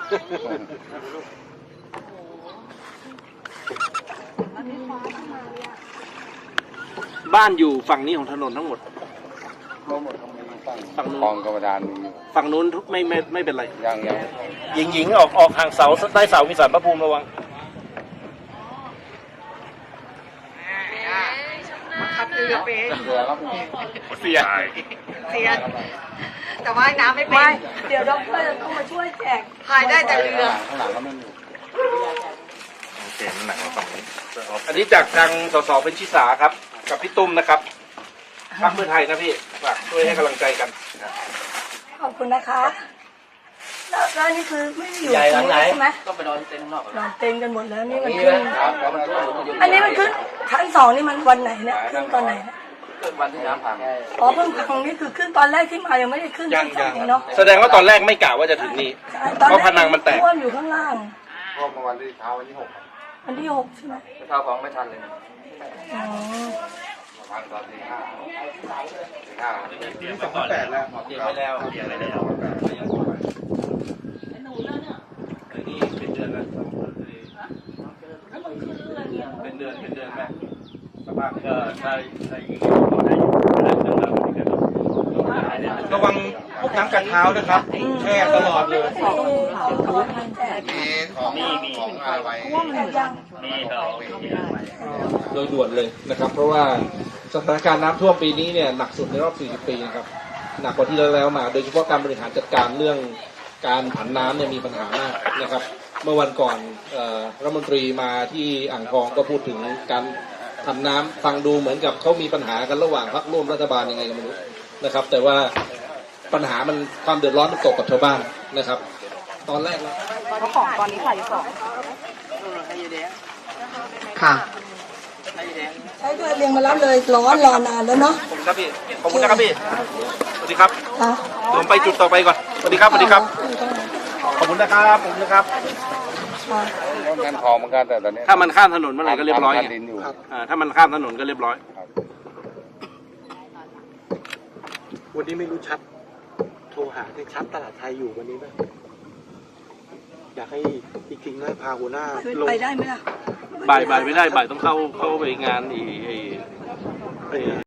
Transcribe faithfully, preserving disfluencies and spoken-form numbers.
บ้านอยู่ฝั่งนี้ของถนนทั้งหมดฝั่งนู้นคลองกระดานมีฝั่งนู้นไม่ไม่ไม่เป็นไรยังยังหญิงหญิงออกออกห่างเสาใต้เสามีสารพระภูมิระวังขับเรือเป็นเรือครับเสียเสียแต่ว่ายน้ำไม่เป็นเดี๋ยวด็อกเตอร์ต้องมาช่วยแจกพายได้แต่เรือข้างหลังก็ไม่มีโอเคมันหนักมาฝั่งนี้อันนี้จากทางสสเป็นชิสาครับกับพี่ตุ้มนะครับพรรคเพื่อไทยนะพี่ฝากช่วยให้กำลังใจกันขอบคุณนะคะแล้วแล้วนี่คือไม่ได้อยู่ตรงนี้ใช่ไหมต้องไปนอนเต็นท์นอกนอนเต็มกันหมดแล้วนี่มันขึ้นครับแล้วมันท่วมมันอยู่อันนี้มันขึ้นชั้นสองนี่มันวันไหนเนี่ยขึ้นตอนไหนเนี่ยเกิดวันที่น้ำพังอ๋อเพิ่งพังนี่คือขึ้นตอนแรกที่มายังไม่ได้ขึ้นยังชั้นสยัอง งเนาะแสดงว่าตอนแรกไม่กะว่าจะถึงนี่ใช่ตอนเพราะผนังมันแตกท่วมอยู่ข้างล่างท่วมเมื่อวันที่เช้าวันที่หกวันที่หกใช่ไหมเท้าของไม่ทันเลยอ๋อประมาณตอนตีห้าตีห้าสองแปดแล้วเตรียมไว้แล้วเตรียมไว้แล้วไอ้นี่เป็นเดือนแล้วเป็นเดือนเป็นเดือนไหมสภาพก็ถ้าถ้าอย่างนี้ก็ได้อยู่ได้จนเราไม่ได้ระวังพวกน้ำกัดเท้านะครับแช่ตลอดเลยของของแจกมีของของอะไรไว้แจกยังมีเราโดยด่วนเลยนะครับ เพราะว่าสถานการณ์น้ำท่วมปีนี้เนี่ยหนักสุดในรอบ สี่สิบ ปีนะครับหนักกว่าที่แล้วมา โดยเฉพาะการบริหารจัดการเรื่องการผันน้ำเนี่ยมีปัญหามากนะครับ เมื่อวันก่อนเอ่อรัฐมนตรีมาที่อ่างทองก็พูดถึงการผันน้ำฟังดูเหมือนกับเขามีปัญหากันระหว่างพรรคร่วมรัฐบาลยังไงก็ไม่รู้นะครับ แต่ว่าปัญหามันความเดือดร้อนมันตกกับชาวบ้านนะครับ ตอนแรกนะเพราะของตอนนี้ฝ่ายสองค่ะใช้เรือเรียงมารับเลยร้อนรอนานแล้วเนาะขอบคุณครับพี่ขอบคุณนะครับพี่สวัสดีครับค่ะเดี๋ยวผมไปจุดต่อไปก่อนสวัสดีครับสวัสดีครับขอบคุณนะครับขอบคุณนะครับค่ะต้นกันทองเหมือนกันแต่ตอนนี้ถ้ามันข้ามถนนเมื่อไหร่ก็เรียบร้อยทำไงดินอยู่อ่าถ้ามันข้ามถนนก็เรียบร้อยวันนี้ไม่รู้ชัด โทรหาให้ชัดตลาดไทยอยู่วันนี้ไหมอยากให้อีกทีให้พาหัวหน้าคือลงไปได้ไหมล่ะบ่ายบ่ายไม่ได้บ่ายต้องเข้าเข้าไปงานอีไอ้ไอ้